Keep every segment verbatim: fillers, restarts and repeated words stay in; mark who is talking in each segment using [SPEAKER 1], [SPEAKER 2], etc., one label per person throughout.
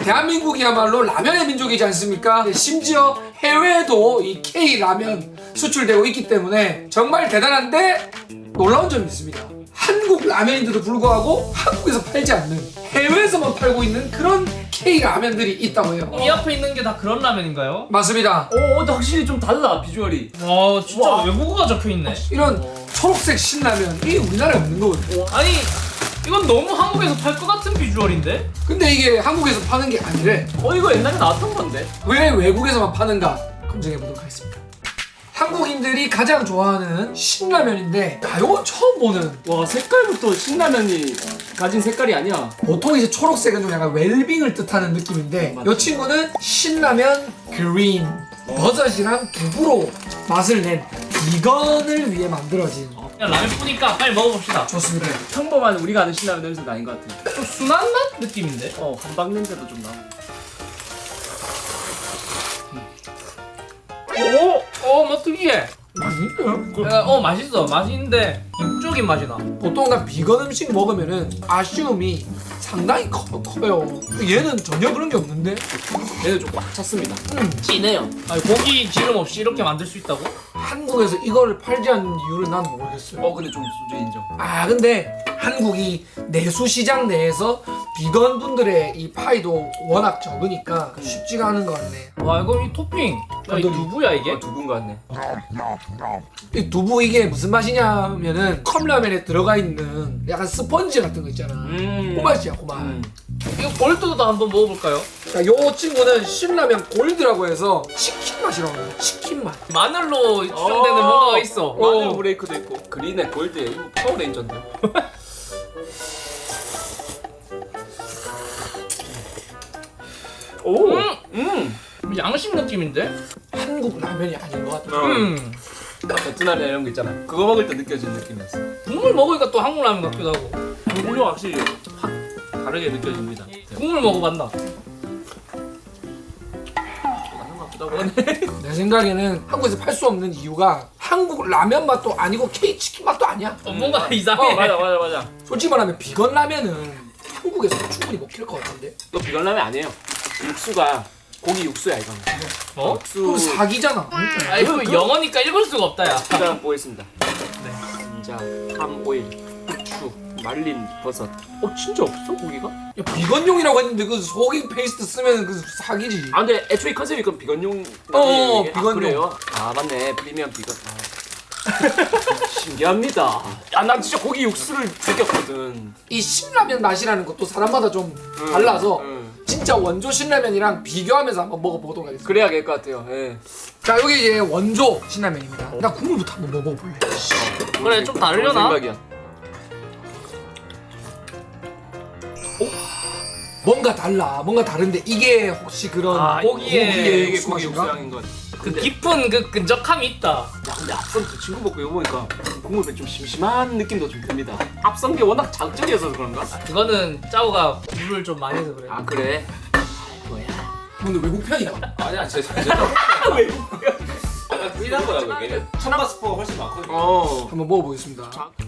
[SPEAKER 1] 대한민국이야말로 라면의 민족이지 않습니까? 심지어 해외에도 이 K 라면 수출되고 있기 때문에 정말 대단한데 놀라운 점이 있습니다. 한국 라면인데도 불구하고 한국에서 팔지 않는 해외에서만 팔고 있는 그런 K 라면들이 있다고 해요.
[SPEAKER 2] 이 앞에 있는 게 다 그런 라면인가요?
[SPEAKER 1] 맞습니다.
[SPEAKER 3] 오, 근데 확실히 좀 달라 비주얼이.
[SPEAKER 2] 와 진짜
[SPEAKER 3] 와.
[SPEAKER 2] 외국어가 적혀있네.
[SPEAKER 1] 이런 초록색 신라면이 우리나라에 없는 거거든요.
[SPEAKER 2] 아니 이건 너무 한국에서 팔 것 같은 비주얼인데?
[SPEAKER 1] 근데 이게 한국에서 파는 게 아니래.
[SPEAKER 3] 어 이거 옛날에 나왔던 건데.
[SPEAKER 1] 왜 외국에서만 파는가 검증해 보도록 하겠습니다. 한국인들이 가장 좋아하는 신라면인데 야, 이건 처음 보는.
[SPEAKER 3] 와 색깔부터 신라면이 가진 색깔이 아니야.
[SPEAKER 1] 보통 이제 초록색은 좀 약간 웰빙을 뜻하는 느낌인데
[SPEAKER 3] 맞아.
[SPEAKER 1] 이 친구는 신라면 그린 버섯이랑 두부로 맛을 낸 비건을 위해 만들어진.
[SPEAKER 2] 그냥 라면 뿌니까 빨리 먹어봅시다.
[SPEAKER 1] 좋습니다.
[SPEAKER 3] 평범한 우리가 아는 신라면 냄새가 아닌 것 같아.
[SPEAKER 2] 좀 순한 맛 느낌인데?
[SPEAKER 3] 어 한방 냄새도 좀 나고.
[SPEAKER 2] 오! 어, 뭐 특이해.
[SPEAKER 1] 맛있어요?
[SPEAKER 2] 어, 맛있어. 맛있는데 육적인 맛이 나.
[SPEAKER 1] 보통 다 비건 음식 먹으면은 아쉬움이 상당히 커, 커요. 얘는 전혀 그런 게 없는데?
[SPEAKER 3] 얘는 좀 꽉 찼습니다.
[SPEAKER 1] 음.
[SPEAKER 3] 진해요.
[SPEAKER 2] 아니, 고기 기름 없이 이렇게 만들 수 있다고?
[SPEAKER 1] 한국에서 이거를 팔지 않는 이유를 난 모르겠어요.
[SPEAKER 3] 어 근데 좀 소주 인정.
[SPEAKER 1] 아 근데 한국이 내수 시장 내에서 비건 분들의 이 파이도 워낙 적으니까 쉽지가 않은 것 같네.
[SPEAKER 2] 와, 이거 이 토핑. 야, 이 두부야, 이게?
[SPEAKER 3] 어, 두분 같네.
[SPEAKER 1] 이 두부 이게 무슨 맛이냐면은 컵라면에 들어가 있는 약간 스펀지 같은 거 있잖아.
[SPEAKER 3] 음.
[SPEAKER 1] 그 맛이야, 그 맛.
[SPEAKER 3] 음.
[SPEAKER 2] 이거 골드도 한번 먹어볼까요?
[SPEAKER 1] 자, 요 친구는 신라면 골드라고 해서 치킨 맛이라고 해요. 치킨 맛.
[SPEAKER 2] 마늘로 추정되는
[SPEAKER 3] 어.
[SPEAKER 2] 뭔가가 있어.
[SPEAKER 3] 마늘
[SPEAKER 1] 어.
[SPEAKER 3] 브레이크도 있고. 그린에 골드에 이거 파워레인저인데. 오.
[SPEAKER 2] 음!
[SPEAKER 3] 음.
[SPEAKER 2] 양식 느낌인데?
[SPEAKER 1] 한국 라면이 아닌 것 같아.
[SPEAKER 2] 음.
[SPEAKER 3] 베트남이나 이런 거 있잖아. 그거 먹을 때 느껴지는 느낌이었어.
[SPEAKER 2] 국물 먹으니까 또 한국 라면 같기도 하고.
[SPEAKER 3] 국물이 확실히 확 다르게 느껴집니다.
[SPEAKER 2] 국물 먹어봤나?
[SPEAKER 3] 맞는 것 같기도 하고 하네.
[SPEAKER 1] 내 생각에는 한국에서 팔 수 없는 이유가 한국 라면 맛도 아니고 K 치킨 맛도 아니야.
[SPEAKER 2] 어, 뭔가 이상해.
[SPEAKER 3] 어 맞아 맞아 맞아.
[SPEAKER 1] 솔직히 말하면 비건 라면은 한국에서 충분히 먹힐 것 같은데.
[SPEAKER 3] 또 비건 라면 아니에요. 육수가 고기 육수야 이거는.
[SPEAKER 2] 어?
[SPEAKER 1] 그럼
[SPEAKER 3] 육수.
[SPEAKER 1] 사기잖아.
[SPEAKER 2] 아, 이거 영어니까 읽을 수가 없다, 야.
[SPEAKER 3] 일단 보겠습니다.
[SPEAKER 2] 네.
[SPEAKER 3] 진짜 팜 오일, 후추, 말린 버섯. 어 진짜 없어 고기가?
[SPEAKER 1] 야, 비건용이라고 했는데 그 소고기 페이스트 쓰면 그 사기지.
[SPEAKER 3] 아 근데 애초에 컨셉이 그럼 비건용.
[SPEAKER 1] 어,
[SPEAKER 3] 이게?
[SPEAKER 1] 비건용.
[SPEAKER 3] 아, 그래요? 아 맞네 프리미엄 비건. 아. 신기합니다. 야난 진짜 고기 육수를 느꼈거든.
[SPEAKER 1] 이 신라면 맛이라는 것도 사람마다 좀 달라서
[SPEAKER 3] 응.
[SPEAKER 1] 진짜 원조 신라면이랑 비교하면서 한번 먹어보도록 하겠습니다.
[SPEAKER 3] 그래야 될 것 같아요. 예.
[SPEAKER 1] 자, 여기 이제 원조 신라면입니다. 나 국물부터 한번 먹어볼래.
[SPEAKER 2] 그래, 좀 다르려나?
[SPEAKER 3] 생각이야.
[SPEAKER 1] 뭔가 달라. 뭔가 다른데 이게 혹시 그런
[SPEAKER 2] 아,
[SPEAKER 1] 고기의
[SPEAKER 2] 고기에
[SPEAKER 3] 이게
[SPEAKER 1] 육수
[SPEAKER 3] 고기
[SPEAKER 1] 맛인가?
[SPEAKER 3] 육수향인 것 같아.
[SPEAKER 2] 그
[SPEAKER 3] 근데
[SPEAKER 2] 깊은 그 끈적함이 있다.
[SPEAKER 3] 야 근데 앞선 그 친구 먹고 이거 보니까 국물이 좀 심심한 느낌도 좀 듭니다. 앞선 게 워낙 자극적이어서 그런가?
[SPEAKER 2] 그거는 짜오가 물을 좀 많이 해서 그래.
[SPEAKER 3] 아 그래? 뭐야?
[SPEAKER 1] 근데 외국 편이야.
[SPEAKER 4] 아니야 제 제.
[SPEAKER 3] 외국이야?
[SPEAKER 4] 약간 삐난 거야 그게. 천마 스포가 훨씬 많거든요.
[SPEAKER 3] 어.
[SPEAKER 1] 한번 먹어보겠습니다.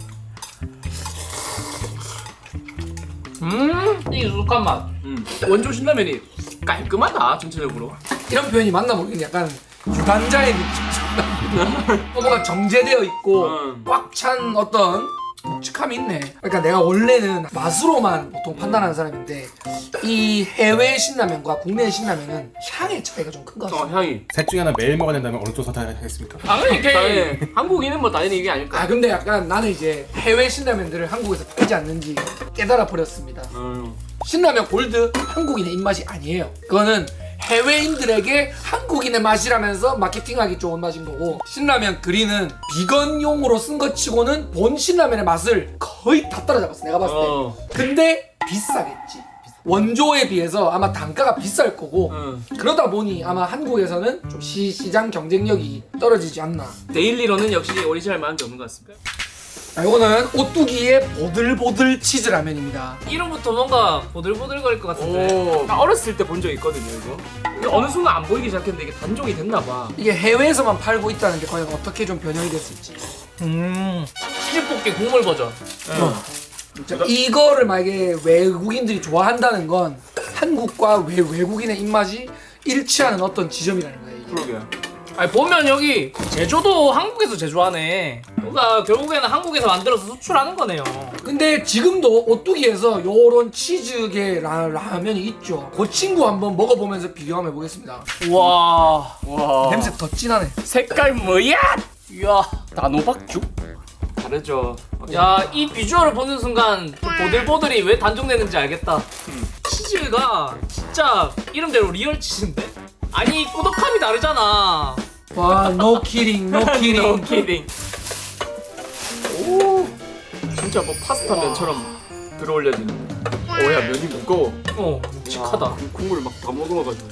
[SPEAKER 2] 음, 이 익숙한 맛.
[SPEAKER 3] 음. 원조 신라면이 깔끔하다 전체적으로.
[SPEAKER 1] 이런 표현이 맞나 모르겠는데 약간 유관자의 느낌. 뭔가 정제되어 있고
[SPEAKER 3] 음.
[SPEAKER 1] 꽉 찬 어떤 묵직함이 있네. 그러니까 내가 원래는 맛으로만 보통 판단하는 사람인데 이 해외 신라면과 국내 신라면은 향의 차이가 좀 큰 것
[SPEAKER 3] 어
[SPEAKER 1] 같아.
[SPEAKER 3] 향이.
[SPEAKER 5] 셋 중에 하나 매일 먹어야 된다면 어느 쪽 선택하겠습니까?
[SPEAKER 2] 당연히 K.
[SPEAKER 3] 당연히 한국인은 뭐 당연히 이게 아닐까.
[SPEAKER 1] 아 근데 약간 나는 이제 해외 신라면들을 한국에서 팔지 않는지 깨달아 버렸습니다.
[SPEAKER 3] 음.
[SPEAKER 1] 신라면 골드 한국인의 입맛이 아니에요. 그거는 해외인들에게 한국인의 맛이라면서 마케팅하기 좋은 맛인 거고, 신라면 그린은 비건용으로 쓴 것 치고는 본 신라면의 맛을 거의 다 따라잡았어 내가 봤을 때.
[SPEAKER 3] 어.
[SPEAKER 1] 근데 비싸겠지. 원조에 비해서 아마 단가가 비쌀 거고,
[SPEAKER 3] 음.
[SPEAKER 1] 그러다 보니 아마 한국에서는 좀 시, 시장 경쟁력이 떨어지지 않나.
[SPEAKER 3] 데일리로는 역시 오리지널 만한 게 없는 것 같습니다.
[SPEAKER 1] 자, 이거는 오뚜기의 보들보들 치즈 라면입니다.
[SPEAKER 2] 이름부터 뭔가 보들보들거릴 것 같은데.
[SPEAKER 3] 오. 나 어렸을 때 본 적 있거든요 이거. 근데 어느 순간 안 보이기 시작했는데 이게 단종이 됐나 봐.
[SPEAKER 1] 이게 해외에서만 팔고 있다는 게 과연 어떻게 좀 변형이 됐을지.
[SPEAKER 2] 음, 치즈볶이 국물 버전.
[SPEAKER 1] 어. 자, 이거를 만약에 외국인들이 좋아한다는 건 한국과 외, 외국인의 입맛이 일치하는 어떤 지점이라는 거예요. 이게.
[SPEAKER 3] 그러게.
[SPEAKER 2] 아니 보면 여기 제조도 한국에서 제조하네. 그러니까 결국에는 한국에서 만들어서 수출하는 거네요.
[SPEAKER 1] 근데 지금도 오뚜기에서 요런 치즈계 라, 라면이 있죠. 그 친구 한번 먹어보면서 비교 한번 해보겠습니다.
[SPEAKER 2] 와,
[SPEAKER 3] 와.
[SPEAKER 1] 냄새 더 진하네.
[SPEAKER 2] 색깔 뭐야? 이야, 단호박죽?
[SPEAKER 3] 다르죠.
[SPEAKER 2] 야, 이 비주얼을 보는 순간 그 보들보들이 왜 단종되는지 알겠다. 치즈가 진짜 이름대로 리얼 치즈인데? 아니, 꾸덕함이 다르잖아.
[SPEAKER 1] 와, no kidding, no kidding.
[SPEAKER 2] No kidding.
[SPEAKER 3] 오. 진짜 뭐 파스타 면처럼 들어올려지는. 오야 면이 무거워.
[SPEAKER 2] 어, 묵직하다.
[SPEAKER 3] 야, 국물 막 다 먹어가지고.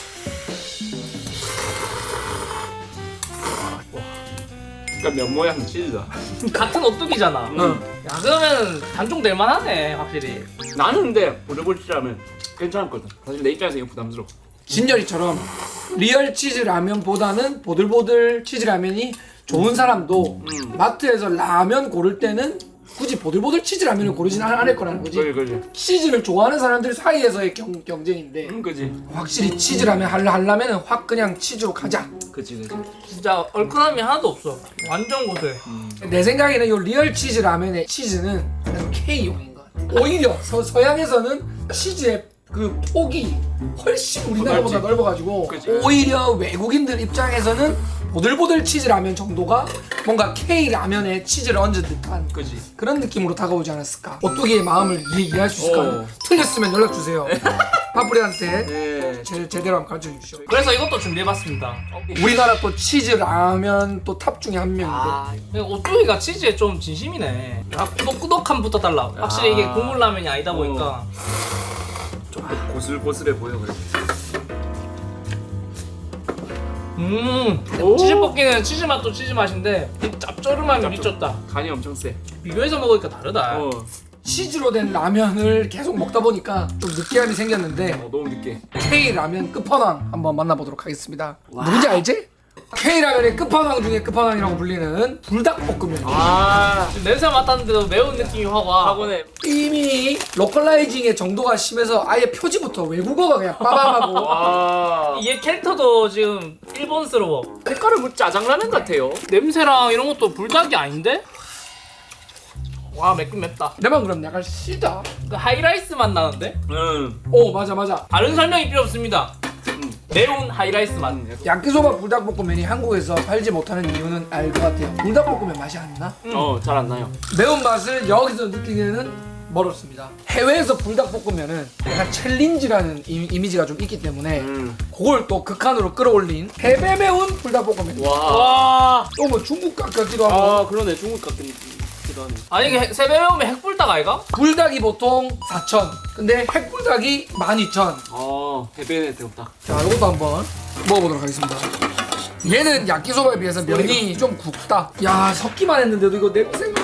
[SPEAKER 3] 그러니까 면 모양 치즈다.
[SPEAKER 2] 같은 오뚜기잖아.
[SPEAKER 1] 응.
[SPEAKER 2] 야, 그러면 단종될 만하네, 확실히.
[SPEAKER 3] 나는 근데 보들보들치라면 괜찮았거든. 사실 내 입장에서 이거 부담스러워.
[SPEAKER 1] 진열이처럼 리얼 치즈 라면보다는 보들보들 치즈 라면이 좋은 사람도
[SPEAKER 3] 음.
[SPEAKER 1] 마트에서 라면 고를 때는 굳이 보들보들 치즈 라면을 고르진 않- 않을 거라는 거지.
[SPEAKER 3] 그지 그지.
[SPEAKER 1] 치즈를 좋아하는 사람들 사이에서의 경, 경쟁인데
[SPEAKER 3] 음 그지.
[SPEAKER 1] 확실히 치즈 라면 할라 하려면은 확 그냥 치즈로 가자.
[SPEAKER 3] 그지 그지.
[SPEAKER 2] 진짜 얼큰함이 하나도 없어. 완전 고소해.
[SPEAKER 1] 내 생각에는 이 리얼 치즈 라면의 치즈는 그냥 K용인 것 같아. 오히려 서, 서양에서는 치즈의 그 폭이 훨씬 우리나라보다
[SPEAKER 3] 넓지.
[SPEAKER 1] 넓어가지고
[SPEAKER 3] 그치.
[SPEAKER 1] 오히려 외국인들 입장에서는 보들보들 치즈 라면 정도가 뭔가 K 라면에 치즈를 얹은 듯한
[SPEAKER 3] 그지.
[SPEAKER 1] 그런 느낌으로 다가오지 않았을까. 오뚜기의 마음을 이해, 이해할 수 있을까요?
[SPEAKER 3] 어.
[SPEAKER 1] 틀렸으면 연락 주세요. 파프리한테
[SPEAKER 3] 네.
[SPEAKER 1] 제, 제대로 한번 가르쳐 주십시오.
[SPEAKER 2] 그래서 이것도 준비해봤습니다.
[SPEAKER 1] 우리나라 또 치즈 라면 또 탑 중에 한 명인데
[SPEAKER 2] 아, 오뚜기가 치즈에 좀 진심이네. 아, 꾸덕꾸덕함부터 달라. 확실히 이게 국물 라면이 아니다 보니까.
[SPEAKER 3] 조금 고슬고슬해 보여 그래.
[SPEAKER 2] 음,
[SPEAKER 3] 오.
[SPEAKER 2] 치즈 볶기는 치즈 맛도 치즈 맛인데 이 짭조름함이 미쳤다.
[SPEAKER 3] 간이 엄청 세.
[SPEAKER 2] 비교해서 먹으니까 다르다.
[SPEAKER 3] 어.
[SPEAKER 1] 치즈로 된 라면을 계속 먹다 보니까 좀 느끼함이 생겼는데
[SPEAKER 3] 어 너무 늦게.
[SPEAKER 1] K 라면 끝판왕 한번 만나보도록 하겠습니다. 누군지 알지? K 라면의 끝판왕 중에 끝판왕이라고 불리는 불닭볶음면.
[SPEAKER 3] 아.
[SPEAKER 2] 지금 냄새 맡았는데도 매운 느낌이 확 와.
[SPEAKER 3] 학원에.
[SPEAKER 1] 이미 로컬라이징의 정도가 심해서 아예 표지부터 외국어가 그냥 빠밤하고
[SPEAKER 3] 와.
[SPEAKER 2] 이게 캐릭터도 지금 일본스러워.
[SPEAKER 3] 색깔은 뭐 짜장라면 같아요.
[SPEAKER 2] 냄새랑 이런 것도 불닭이 아닌데? 와, 맵긴 맵다.
[SPEAKER 1] 내만 그럼 약간 시다.
[SPEAKER 2] 그 하이라이스 맛 나는데?
[SPEAKER 3] 응.
[SPEAKER 1] 오 맞아 맞아.
[SPEAKER 2] 다른 설명이 필요 없습니다. 매운 하이라이스 맛.
[SPEAKER 1] 야끼소바 불닭볶음면이 한국에서 팔지 못하는 이유는 알 것 같아요. 불닭볶음면 맛이 안 나?
[SPEAKER 3] 어잘 안 나요.
[SPEAKER 1] 매운맛을 여기서 느끼기에는 멀었습니다. 해외에서 불닭볶음면은 약간 챌린지라는 이, 이미지가 좀 있기 때문에
[SPEAKER 3] 음.
[SPEAKER 1] 그걸 또 극한으로 끌어올린 배배 매운 불닭볶음면.
[SPEAKER 3] 와.
[SPEAKER 2] 와.
[SPEAKER 1] 또 뭐 중국 각 같기도 하고.
[SPEAKER 3] 아 그러네 중국 같은 느낌이기도 하네.
[SPEAKER 2] 아니 이게 세배 매우면 핵불닭 아이가?
[SPEAKER 1] 불닭이 보통 사천. 근데 핵불닭이 만 이천.
[SPEAKER 3] 아 배배네 대우딱.
[SPEAKER 1] 자, 이것도 한번 먹어보도록 하겠습니다. 얘는 야끼소바에 비해서 면이 좀 굵다. 야, 섞기만 했는데도 이거 냄새가.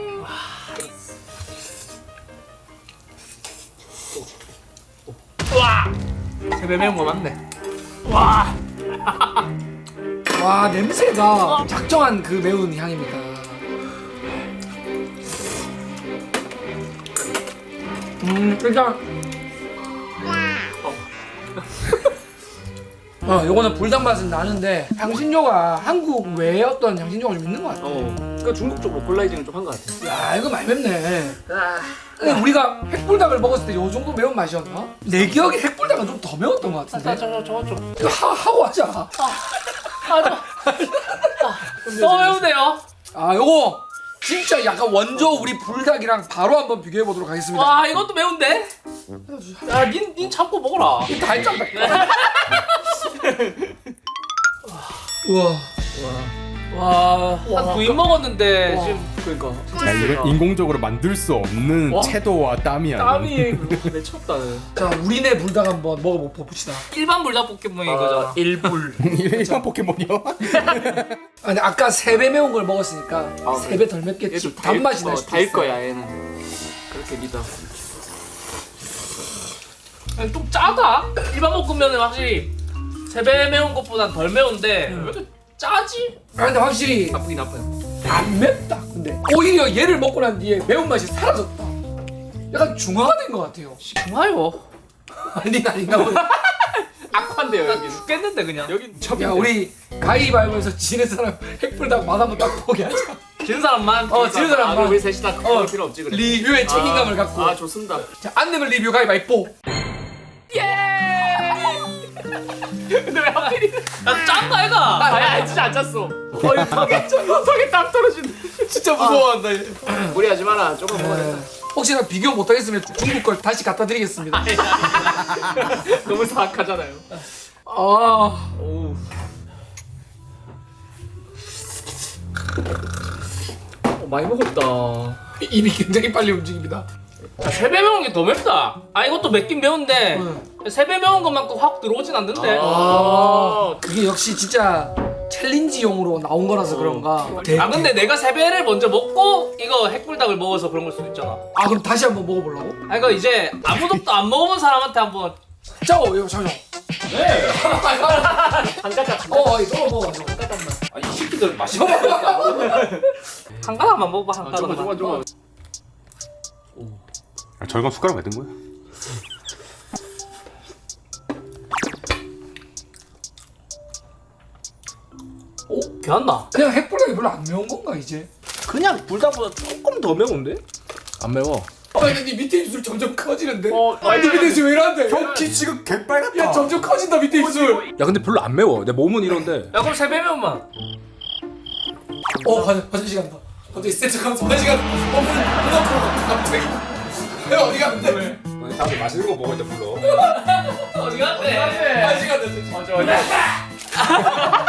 [SPEAKER 2] 와. 세배 매운 거 맞네. 와.
[SPEAKER 1] 와, 냄새가 작정한 그 매운 향입니다. 음, 일단 어, 요거는 불닭 맛은 나는데 향신료가 한국 외에 어떤 향신료가 좀 있는 것 같아.
[SPEAKER 3] 어. 그러니까 중국 쪽 로컬라이징을 좀 한 것 같아.
[SPEAKER 1] 야, 이거 많이 맵네. 근데 우리가 핵불닭을 먹었을 때 요 정도 매운 맛이었나? 내 기억에 핵불닭은 좀 더 매웠던 것
[SPEAKER 2] 자,
[SPEAKER 1] 같은데.
[SPEAKER 2] 저, 저, 저거 좀.
[SPEAKER 1] 이거 하, 하고 하자.
[SPEAKER 2] 아, 저. 더 매운데요?
[SPEAKER 1] 아, 요거 진짜 약간 원조 우리 불닭이랑 바로 한번 비교해 보도록 하겠습니다.
[SPEAKER 2] 와, 이것도 매운데? 야, 닌, 닌 참고 먹어라.
[SPEAKER 1] 다 했잖아. 우와.
[SPEAKER 2] 와, 한 두 입 먹었는데
[SPEAKER 1] 와.
[SPEAKER 2] 지금
[SPEAKER 3] 그러니까.
[SPEAKER 5] 야, 이건 인공적으로 만들 수 없는
[SPEAKER 3] 와.
[SPEAKER 5] 채도와 땀이 아닌.
[SPEAKER 3] 땀이 미쳤다.
[SPEAKER 1] 자, 우리네 불닭 한번 먹어봅시다.
[SPEAKER 2] 일반 불닭볶음면인 거잖아.
[SPEAKER 3] 일불.
[SPEAKER 5] 일반 포켓몬이요?
[SPEAKER 1] 아, 근데 아까 세 배 매운 걸 먹었으니까
[SPEAKER 3] 아,
[SPEAKER 1] 세 배 덜 맵겠지.
[SPEAKER 3] 얘좀
[SPEAKER 1] 단맛이 날 수도
[SPEAKER 3] 달
[SPEAKER 1] 있어.
[SPEAKER 3] 거야 얘는. 그렇게 믿어.
[SPEAKER 2] 그냥 좀 짜다. 일반 볶음면은 확실히 세 배 매운 것보다 덜 매운데 왜 이렇게 짜지?
[SPEAKER 1] 아, 근데 확실히
[SPEAKER 3] 나쁘긴 아파요.
[SPEAKER 1] 안 맵다. 근데 오히려 얘를 먹고 난 뒤에 매운맛이 사라졌다. 약간 중화가 된 것 같아요.
[SPEAKER 2] 좋아요.
[SPEAKER 1] 닌 아닌가 보네.
[SPEAKER 3] 악화인데요 여기.
[SPEAKER 2] 죽겠는데 그냥.
[SPEAKER 3] 여기
[SPEAKER 1] 야 우리 가위바위보에서 지는 사람 핵불닭 맛 한번 딱 보게 하자.
[SPEAKER 2] 진 사람만.
[SPEAKER 1] 어 지는 사람만.
[SPEAKER 3] 아, 우리 셋이 다 그럴 필요 없지 그래.
[SPEAKER 1] 리뷰의 책임감을
[SPEAKER 3] 아,
[SPEAKER 1] 갖고.
[SPEAKER 3] 아 좋습니다.
[SPEAKER 1] 자, 안 내면 리뷰 가위바위보.
[SPEAKER 3] 근데 왜 하필이?
[SPEAKER 2] 야 짠다 얘가.
[SPEAKER 3] 아야 진짜 안 짰어. 어 이거 턱에 턱에 딱 떨어진다.
[SPEAKER 1] 진짜 무서워한다. 얘.
[SPEAKER 3] 무리하지 마라. 조금 먹어야 된다.
[SPEAKER 1] 혹시나 비교 못하겠으면 중국 걸 다시 갖다 드리겠습니다.
[SPEAKER 3] 너무 사악하잖아요.
[SPEAKER 1] 아,
[SPEAKER 3] 오우. 어, 많이 먹었다.
[SPEAKER 1] 입이 굉장히 빨리 움직입니다.
[SPEAKER 2] 야, 세 배 매운 게 더 맵다. 아 이것도 맵긴 매운데 세 배 매운 것만큼 확 들어오진 않는데.
[SPEAKER 3] 아,
[SPEAKER 1] 그게 역시 진짜 챌린지용으로 나온 거라서 그런가. 대-
[SPEAKER 2] 아 근데 내가 세 배를 먼저 먹고 이거 핵불닭을 먹어서 그런 걸 수도 있잖아.
[SPEAKER 1] 아 그럼 다시 한번 먹어보려고?
[SPEAKER 2] 아 이거 이제 아무것도 안 먹어본 사람한테 한번.
[SPEAKER 1] 자, 어, 이거 잠시만.
[SPEAKER 4] 네.
[SPEAKER 3] 한 가닥.
[SPEAKER 1] 어, 이거 먹어.
[SPEAKER 4] 아, 이 새끼들 맛있어.
[SPEAKER 2] 한 가닥만 먹어봐 한
[SPEAKER 3] 아, 좋아 좋아
[SPEAKER 2] 가닥만.
[SPEAKER 3] 좋아.
[SPEAKER 5] 아, 절간 숟가락 왜 든 거야?
[SPEAKER 2] 오 괜찮나?
[SPEAKER 1] 그냥 핵불닭이 별로 안 매운 건가 이제?
[SPEAKER 3] 그냥 불닭보다 조금 더 매운데?
[SPEAKER 5] 안 매워.
[SPEAKER 1] 아, 근데 네 밑에 입술 점점 커지는데?
[SPEAKER 3] 어,
[SPEAKER 1] 아, 네 밑에 입술 왜 이러는데?
[SPEAKER 5] 키 지금 개빨갛다.
[SPEAKER 1] 야, 점점 커진다 밑에 입술.
[SPEAKER 4] 야, 근데 별로 안 매워. 내 몸은 이런데.
[SPEAKER 2] 야 그럼 세 배 매운맛.
[SPEAKER 1] 어, 화장, 화장실 간다. 갑자기 세트 가면서 화장실 간다. 어, 문, 문 앞으로 간다, 갑자기. 야, 어디 갔는데? 왜?
[SPEAKER 4] 다들 맛있는 거 먹을 때 불러.
[SPEAKER 2] 어디 갔대?
[SPEAKER 1] 화장실 간다, 세트.
[SPEAKER 3] 맞아 맞아.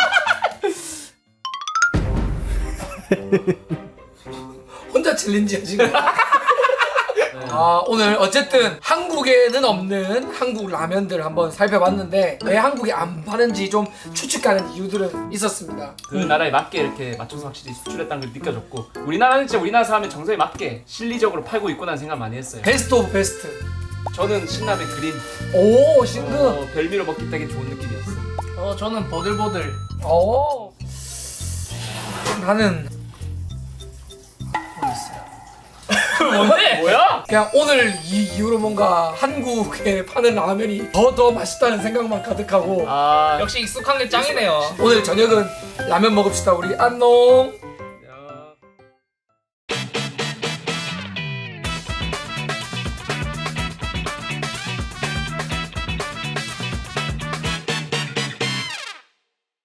[SPEAKER 1] 혼자 챌린지야 지금. 아, 오늘 어쨌든 한국에는 없는 한국 라면들 한번 살펴봤는데 왜 한국에 안 파는지 좀 추측가는 이유들은 있었습니다.
[SPEAKER 3] 그 나라에 맞게 이렇게 맞춰서 확실히 수출했다는 걸 느껴졌고 우리나라는 진짜 우리나라 사람의 정서에 맞게 실리적으로 팔고 있구나는 생각 많이 했어요.
[SPEAKER 1] 베스트 오브 베스트.
[SPEAKER 3] 저는 신라면 그린
[SPEAKER 1] 오, 신금.
[SPEAKER 3] 어, 별미로 먹기 되게 좋은 느낌이었어.
[SPEAKER 2] 어 저는 보들보들.
[SPEAKER 1] 오. 나는
[SPEAKER 2] 뭔데?
[SPEAKER 3] 뭐야?
[SPEAKER 1] 그냥 오늘 이 이후로 뭔가 한국에 파는 라면이 더 더 맛있다는 생각만 가득하고
[SPEAKER 3] 아
[SPEAKER 2] 역시 익숙한 게 짱이네요.
[SPEAKER 1] 오늘 저녁은 라면 먹읍시다 우리 안녕.